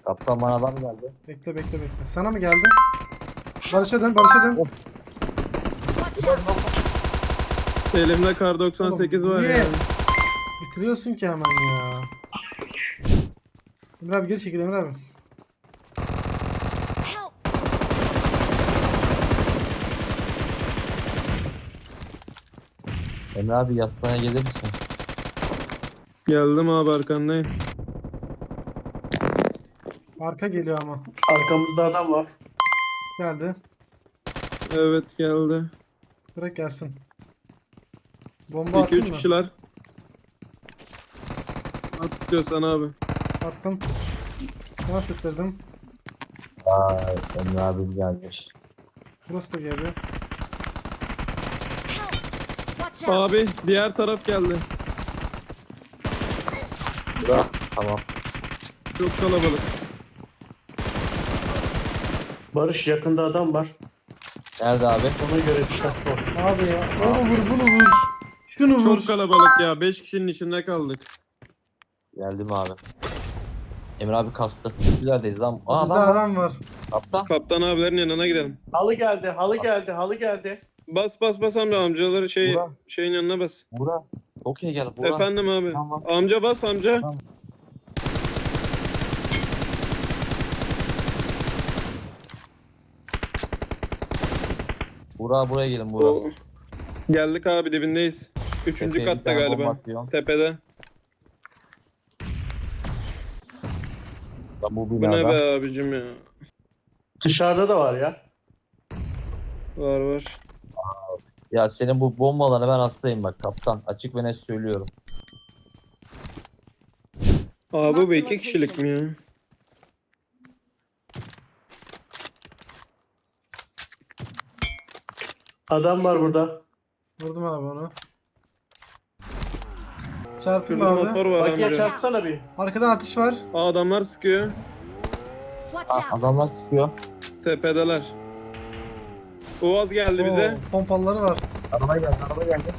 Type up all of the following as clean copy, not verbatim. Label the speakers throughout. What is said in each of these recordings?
Speaker 1: Kaptan bana adam geldi.
Speaker 2: Bekle. Sana mı geldi? Barış'a dön.
Speaker 1: Of.
Speaker 3: Elimde kar 98
Speaker 2: Oğlum,
Speaker 3: var
Speaker 2: niye?
Speaker 3: ya.
Speaker 2: Bitiriyorsun ki hemen ya. Emre abi geri çekil Emre abi.
Speaker 1: Emre abi yastığına gelir misin?
Speaker 3: Geldim abi arkandayım.
Speaker 2: Arka geliyor ama.
Speaker 4: Arkamızda adam var.
Speaker 2: Geldi.
Speaker 3: Evet geldi.
Speaker 2: Bırak gelsin. Bomba
Speaker 3: 2-3
Speaker 2: attın mı?
Speaker 3: kişiler. At istiyorsan abi.
Speaker 2: Attım. Nasıl ettirdim?
Speaker 1: Vay Emre abi gelmiş.
Speaker 2: Burası da geliyor.
Speaker 3: Abi diğer taraf geldi.
Speaker 1: Bura. Tamam.
Speaker 3: Çok kalabalık.
Speaker 4: Barış yakında adam var.
Speaker 1: Nerede abi?
Speaker 4: Ona göre dikkatli ol.
Speaker 2: Abi ya. Onu vur bunu vur. Şunu vur.
Speaker 3: Çok kalabalık ya. 5 kişinin içinde kaldık.
Speaker 1: Geldim abi. Emre abi kastı. Neredeyiz lan?
Speaker 2: Bizde
Speaker 1: Adam var.
Speaker 2: adam var.
Speaker 1: Kaptan.
Speaker 3: Kaptan abilerin yanına gidelim.
Speaker 4: Halı geldi, halı geldi, halı geldi.
Speaker 3: Bas amcaları
Speaker 1: Burak.
Speaker 3: şeyin yanına bas.
Speaker 1: Bura. Okey gel. Bura.
Speaker 3: Efendim abi.
Speaker 1: Tamam.
Speaker 3: Amca bas amca.
Speaker 1: Tamam. Bura buraya gelin Bura.
Speaker 3: Oo. Geldik abi dibindeyiz. Üçüncü
Speaker 1: Tepeye bir
Speaker 3: katta
Speaker 1: tane bomba
Speaker 3: galiba.
Speaker 1: atıyorum.
Speaker 3: Tepede.
Speaker 1: Bu
Speaker 3: Bu ne
Speaker 1: binada.
Speaker 3: be abicim ya.
Speaker 4: Dışarıda da var ya.
Speaker 3: Var.
Speaker 1: Ya senin bu bombalarına ben hastayım bak kaptan. Açık ve net söylüyorum.
Speaker 3: Abi bu 2 kişilik mi ya?
Speaker 4: Adam var burada.
Speaker 2: Vurdum abi onu. Çarptım
Speaker 3: Şurada
Speaker 2: abi.
Speaker 3: motor var
Speaker 4: Bagiye
Speaker 3: amca.
Speaker 4: çarpsana bir.
Speaker 2: Arkadan atış var.
Speaker 3: Adamlar sıkıyor.
Speaker 1: Adamlar sıkıyor.
Speaker 3: Tepedeler. Uaz geldi bize.
Speaker 2: Oo, pompaları var.
Speaker 1: Araba geldi.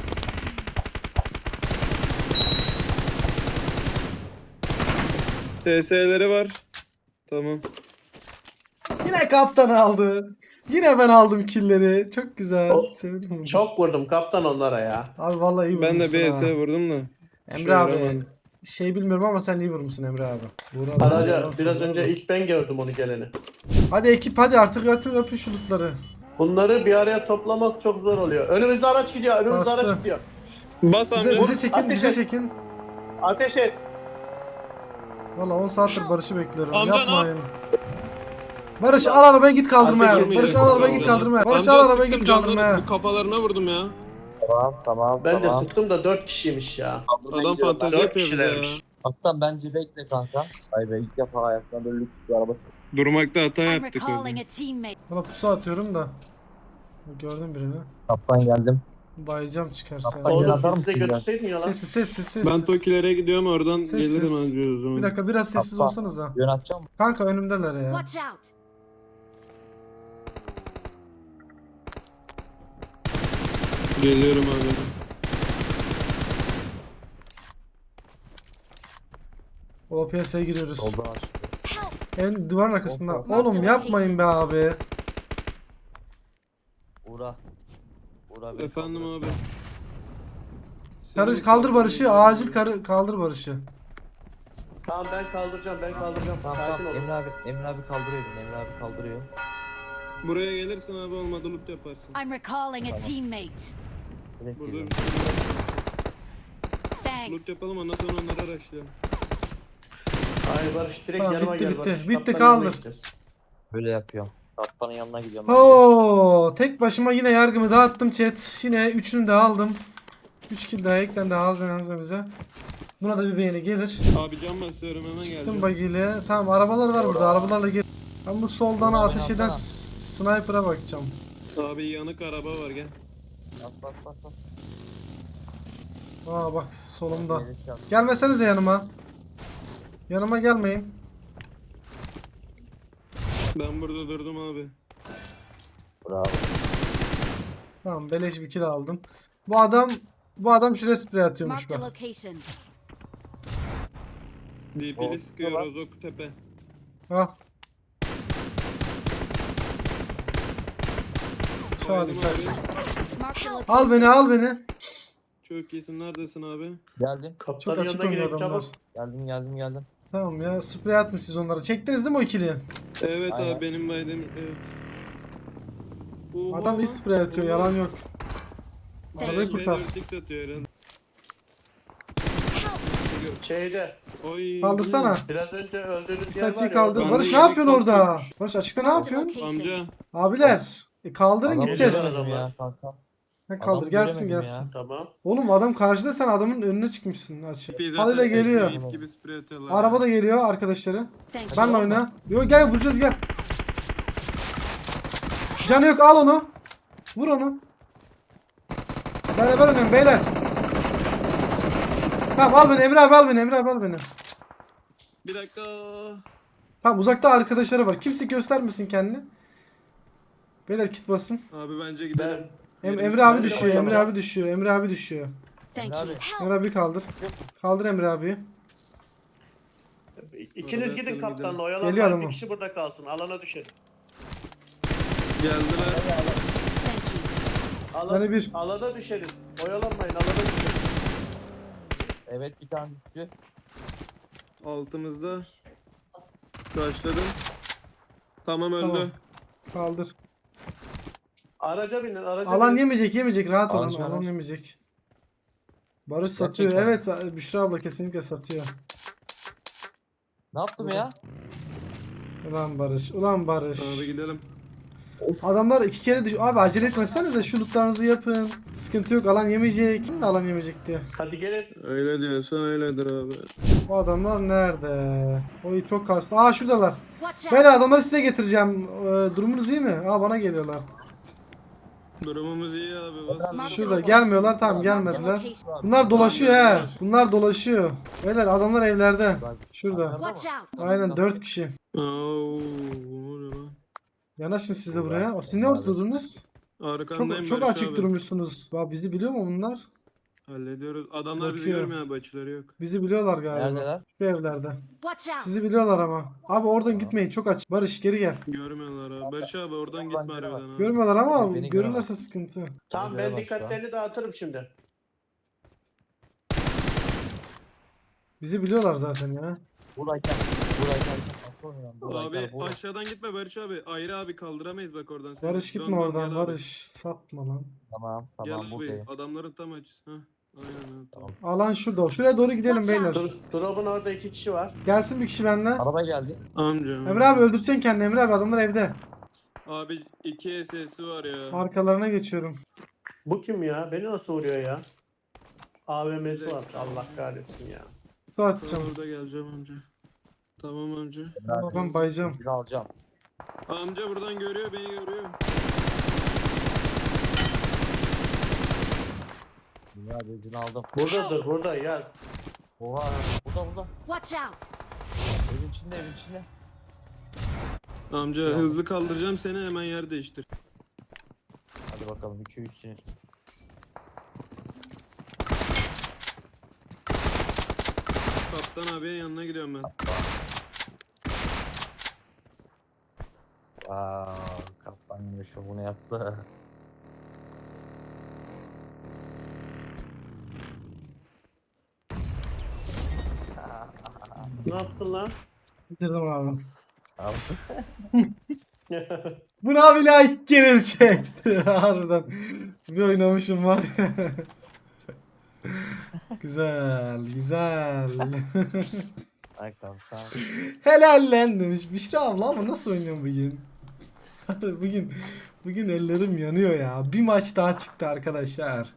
Speaker 3: TS'leri var. Tamam.
Speaker 2: Yine kaptan aldı. Yine ben aldım killleri. Çok güzel.
Speaker 4: O-
Speaker 2: Sevindim. bunu.
Speaker 4: Çok vurdum kaptan onlara ya.
Speaker 2: Abi vallahi iyi
Speaker 3: Ben de
Speaker 2: vurmuşsun
Speaker 3: bir
Speaker 2: ha.
Speaker 3: ES vurdum da.
Speaker 2: Emre abi.
Speaker 3: vuramadım.
Speaker 2: Şey bilmiyorum ama sen iyi vurmuşsun Emre abi. Buğra
Speaker 4: Araca
Speaker 2: bence nasıl
Speaker 4: biraz
Speaker 2: oldu?
Speaker 4: önce ilk ben gördüm onu geleni.
Speaker 2: Hadi ekip hadi artık atın öpün şu lootları.
Speaker 4: Bunları bir araya toplamak çok zor oluyor. Önümüzde araç gidiyor, önümüzde
Speaker 2: Bastı.
Speaker 4: araç gidiyor.
Speaker 3: Bas amca.
Speaker 2: Bize çekin
Speaker 4: Ateş
Speaker 2: bize
Speaker 4: et.
Speaker 2: çekin.
Speaker 4: Ateş et.
Speaker 2: Valla 10 saattir Barış'ı bekliyorum.
Speaker 3: Amca ne
Speaker 2: Yapmayın. Barış al arabayı git kaldırmaya.
Speaker 4: Ateş
Speaker 2: Barış
Speaker 4: etmeyelim.
Speaker 2: al arabayı git kaldırmaya. Barış
Speaker 3: Amca
Speaker 2: al arabayı
Speaker 3: sıktım,
Speaker 2: git
Speaker 3: canları-
Speaker 2: kaldırmaya.
Speaker 3: Bu kafalarına vurdum ya.
Speaker 1: Tamam.
Speaker 4: Ben de sıktım da 4 kişiymiş ya.
Speaker 3: Adam fantezi
Speaker 4: Dört
Speaker 3: yapıyor bize ya.
Speaker 4: kişilermiş.
Speaker 1: Kaptan bence bekle kanka. Ay be ilk defa hayatımda böyle lüks bir araba.
Speaker 3: Durmakta hata
Speaker 5: I'm
Speaker 3: yaptık orada.
Speaker 5: recalling a teammate.
Speaker 2: Bana pusu atıyorum da. Gördüm birini.
Speaker 1: Kaptan geldim.
Speaker 2: Bayacağım çıkarsa.
Speaker 1: Kaptan gel atar
Speaker 4: Oğlum bizi de
Speaker 1: mısın ya?
Speaker 4: götürseydin ya lan.
Speaker 2: Sessiz.
Speaker 3: Ben Tokilere gidiyorum oradan
Speaker 2: Sessiz.
Speaker 3: gelirim anca o zaman.
Speaker 2: Bir dakika biraz sessiz
Speaker 1: Kaptan.
Speaker 2: olsanız da.
Speaker 1: Yön atacağım mı?
Speaker 2: Kanka önümdeler ya.
Speaker 5: Watch out!
Speaker 3: Geliyorum abi.
Speaker 2: O piyasaya giriyoruz.
Speaker 1: Soldan aç.
Speaker 2: En duvarın arkasında.
Speaker 1: Hoppa.
Speaker 2: Oğlum yapmayın be abi.
Speaker 1: Uğra. Uğra beni
Speaker 3: Efendim
Speaker 1: kaldır.
Speaker 3: abi.
Speaker 2: Kaldır Barış'ı. Acil kaldır Barış'ı.
Speaker 4: Tamam ben kaldıracağım.
Speaker 1: Tamam
Speaker 4: Sakin ol.
Speaker 1: Emre abi kaldırıyor beni. Emre abi kaldırıyor.
Speaker 3: Buraya gelirsin abi olmadı loot yaparsın.
Speaker 5: I'm recalling a teammate.
Speaker 1: Direkt
Speaker 3: Burada
Speaker 1: geliyorum.
Speaker 3: bir şey var.
Speaker 5: Thanks.
Speaker 3: Loot yapalım ondan sonra onları araştıralım.
Speaker 4: Hayır Barış direkt
Speaker 2: Tamam,
Speaker 4: yanıma
Speaker 2: bitti,
Speaker 4: gel
Speaker 2: bitti.
Speaker 4: Barış.
Speaker 2: Bitti,
Speaker 4: Kaptanın
Speaker 2: kaldır.
Speaker 4: yanına gideceğiz.
Speaker 1: Böyle yapıyorum. Kaptanın yanına gidiyorum.
Speaker 2: Oo, tek başıma yine yargımı dağıttım chat. Yine üçünü de aldım. 3 kill daha eklendi ağzına bize. Buna da bir beğeni gelir.
Speaker 3: Abi can basıyorum hemen
Speaker 2: Tüm
Speaker 3: geleceğim.
Speaker 2: bagiyle. Tamam arabalar var burada. Arabalarla gel. Ben bu soldan
Speaker 1: Buradan
Speaker 2: ateş
Speaker 1: beni
Speaker 2: eden
Speaker 1: atsana.
Speaker 2: sniper'a bakacağım.
Speaker 3: Abi yanık araba var gel.
Speaker 1: Bak.
Speaker 2: Aa bak solumda.
Speaker 1: Beni çarp.
Speaker 2: Gelmesenize yanıma. Yanıma gelmeyin.
Speaker 3: Ben burada durdum abi.
Speaker 1: Bravo.
Speaker 2: Tamam beleş bir kill aldım. Bu adam şuraya sprey atıyormuş
Speaker 5: Marked a
Speaker 2: bak.
Speaker 5: location.
Speaker 3: DP'li sıkıyor
Speaker 1: lan.
Speaker 3: Rozok tepe.
Speaker 2: Al.
Speaker 3: Baydım
Speaker 2: Çağır,
Speaker 3: abi.
Speaker 5: Mark the
Speaker 2: Al
Speaker 5: location.
Speaker 2: beni, al beni.
Speaker 3: Çok iyisin. Neredesin abi?
Speaker 1: Geldim.
Speaker 2: Çok
Speaker 4: Kaptanın
Speaker 2: açık
Speaker 4: yanına
Speaker 2: oynuyor
Speaker 4: gidelim
Speaker 2: adamlar.
Speaker 4: çabuk.
Speaker 1: Geldim.
Speaker 2: Tamam ya, sprey atın siz onlara. Çektiniz değil mi o ikiliyi?
Speaker 3: Evet
Speaker 1: Aynen.
Speaker 3: abi benim baydım. Evet. Oha.
Speaker 2: Adam iyi sprey atıyor,
Speaker 3: Oha.
Speaker 2: yalan yok.
Speaker 5: Thank
Speaker 2: Arabayı
Speaker 5: you.
Speaker 2: kurtar.
Speaker 3: Dörtlük satıyor herhalde.
Speaker 4: Şeyde
Speaker 3: Oy.
Speaker 2: Kaldırsana.
Speaker 4: biraz önce öldüğünüz yer var
Speaker 2: Kaçıyı
Speaker 4: ya.
Speaker 2: kaldır.
Speaker 3: Ben
Speaker 2: Barış
Speaker 3: de
Speaker 2: ne
Speaker 3: yedek
Speaker 2: yapıyorsun orada?
Speaker 3: kalkıyormuş.
Speaker 2: Barış açıkta ne
Speaker 5: Mark the
Speaker 2: yapıyorsun?
Speaker 5: location.
Speaker 3: Amca.
Speaker 2: Abiler kaldırın
Speaker 1: Adamı
Speaker 2: gideceğiz.
Speaker 4: göremedim.
Speaker 1: göremedim ya kanka.
Speaker 2: Ha, kaldır
Speaker 1: Adamı
Speaker 2: gelsin
Speaker 1: göremedim
Speaker 2: gelsin.
Speaker 1: ya.
Speaker 4: Tamam.
Speaker 2: Oğlum adam karşıda, sen adamın önüne çıkmışsın açık.
Speaker 3: Bir
Speaker 2: Halil'e
Speaker 3: zaten
Speaker 2: geliyor.
Speaker 3: ip gibi sprey atıyorlar.
Speaker 2: Araba da geliyor arkadaşları.
Speaker 5: Thank you.
Speaker 2: Benle oyna. Yo gel vuracağız gel. Canı yok, al onu. Vur onu. Beraber oynayın beyler. Tamam al beni Emre abi, al beni Emre abi, al beni.
Speaker 3: Bir dakika.
Speaker 2: Tamam uzakta arkadaşları var. Kimse göstermesin kendini. Beyler kit basın.
Speaker 3: Abi bence gidelim.
Speaker 2: Emre abi
Speaker 4: Ben de
Speaker 2: düşüyor. Emre
Speaker 4: oynamam.
Speaker 2: abi düşüyor. Emre abi düşüyor.
Speaker 5: Thank
Speaker 1: Emre
Speaker 5: you.
Speaker 1: abi.
Speaker 5: Help.
Speaker 2: Emre abi kaldır. Kaldır Emre abi.
Speaker 4: İkiniz
Speaker 3: Arabaya
Speaker 4: gidin
Speaker 3: atalım,
Speaker 4: kaptanla
Speaker 3: gidelim.
Speaker 2: Geliyor
Speaker 4: oyalanmayın.
Speaker 2: adamı.
Speaker 4: Bir kişi burada kalsın. Alana düşün.
Speaker 3: Geldiler.
Speaker 5: Thank you.
Speaker 2: Bana bir.
Speaker 4: Alana düşeriz. Oyalanmayın. Alana düşün.
Speaker 1: Evet bir tane düştü.
Speaker 3: Altımızda. Başladım. Tamam öldü.
Speaker 2: Tamam. Kaldır.
Speaker 4: Araca binin. Araca
Speaker 2: Alan
Speaker 4: binin.
Speaker 2: yemeyecek rahat olun.
Speaker 1: Alan
Speaker 2: Alan yemeyecek. Barış satıyor.
Speaker 1: Gerçekten.
Speaker 2: Evet Büşra abla kesinlikle satıyor.
Speaker 1: Ne yaptım ya?
Speaker 2: Ulan Barış. Ulan Barış.
Speaker 3: Abi gidelim.
Speaker 2: Adamlar iki kere düş. Abi acele etmesenize, şu lootlarınızı yapın. Sıkıntı yok, alan yemeyecek. Kim de alan yemeyecek diye.
Speaker 4: Hadi gelin.
Speaker 3: Öyle diyorsan öyledir abi.
Speaker 2: O adamlar nerede? Oy çok kastı. Aa şuradalar.
Speaker 5: Watch out.
Speaker 2: Beyler adamları size getireceğim. Durumunuz iyi mi? Aa bana geliyorlar.
Speaker 3: Durumumuz iyi abi. Bastım.
Speaker 2: Şurada gelmiyorlar, tamam gelmediler. Bunlar dolaşıyor he. Bunlar dolaşıyor. Beyler adamlar evlerde. Şurada.
Speaker 5: Watch out.
Speaker 2: Aynen 4 kişi.
Speaker 3: Oo, ne oluyor lan?
Speaker 2: Yanaşın siz de buraya. Siz ne orada durdunuz?
Speaker 3: Arkandayım
Speaker 2: Çok
Speaker 3: Barış
Speaker 2: açık
Speaker 3: abi.
Speaker 2: durmuşsunuz. Bak bizi biliyor mu bunlar?
Speaker 3: Hallediyoruz. Adamlar bizi
Speaker 2: Bakıyor.
Speaker 3: görmüyor abi, açıları yok.
Speaker 2: Bizi biliyorlar galiba.
Speaker 1: Neredeler?
Speaker 2: Şu evlerde.
Speaker 5: Watch out.
Speaker 2: Sizi biliyorlar ama. Abi oradan gitmeyin, çok açık. Barış geri gel.
Speaker 3: Görmüyorlar abi. Barış abi oradan gitme
Speaker 1: göremez.
Speaker 3: harbiden abi.
Speaker 2: Görmüyorlar ama
Speaker 1: Beni
Speaker 2: görürlerse sıkıntı.
Speaker 4: Tamam ben
Speaker 1: Göremez
Speaker 4: dikkatlerini dağıtırım şimdi.
Speaker 2: Bizi biliyorlar zaten ya.
Speaker 1: Buradayken. Nasıl oynuyorum?
Speaker 3: Abi aşağıdan gitme Barış abi. Ayrı abi kaldıramayız bak oradan. seni.
Speaker 2: Barış
Speaker 3: Dön,
Speaker 2: gitme
Speaker 3: dön,
Speaker 2: oradan.
Speaker 3: gel abi.
Speaker 2: Barış satma lan.
Speaker 1: Tamam
Speaker 3: Gel abi.
Speaker 1: buradayım.
Speaker 3: Adamların tam açısı. Hah. Aynen abi. Tamam.
Speaker 2: Alan şurada. Şuraya doğru gidelim
Speaker 5: Watch
Speaker 2: beyler.
Speaker 5: out.
Speaker 4: Drop'un orada 2 kişi var.
Speaker 2: Gelsin bir kişi benimle.
Speaker 1: Araba geldi.
Speaker 3: Amca.
Speaker 2: Emre abi öldüreceksin kendini. Emre abi adamlar evde.
Speaker 3: Abi 2 SS'i var ya.
Speaker 2: Arkalarına geçiyorum.
Speaker 4: Bu kim ya? Beni nasıl vuruyor ya? AVM'si var. Allah kahretsin ya.
Speaker 2: Kutu
Speaker 3: Tamam,
Speaker 2: atacağım.
Speaker 3: orada geleceğim amca. Tamam amca.
Speaker 2: Ama ben bayacağım.
Speaker 1: Bir alacağım.
Speaker 3: Amca buradan görüyor, beni görüyor.
Speaker 1: Dünya bezini aldım.
Speaker 4: Buradadır burada ya.
Speaker 1: Oha. Burada.
Speaker 5: Watch out.
Speaker 1: Evin içinde.
Speaker 3: Amca hızlı kaldıracağım seni, hemen yer değiştir.
Speaker 1: Hadi bakalım 3'e 3'sünüz.
Speaker 3: Kaptan abiye yanına gidiyorum ben.
Speaker 1: Kaptan yine şovunu yaptı.
Speaker 4: Ne yaptın lan?
Speaker 2: Bitirdim abi.
Speaker 1: Abi.
Speaker 2: Bu ne abi like gelir çekti. Harbiden. Bir oynamışım var ya. Güzel.
Speaker 1: Ay kaptan.
Speaker 2: Helal lan demiş. Büşra abla ama nasıl oynuyorsun bugün? bugün ellerim yanıyor ya. Bir maç daha çıktı arkadaşlar.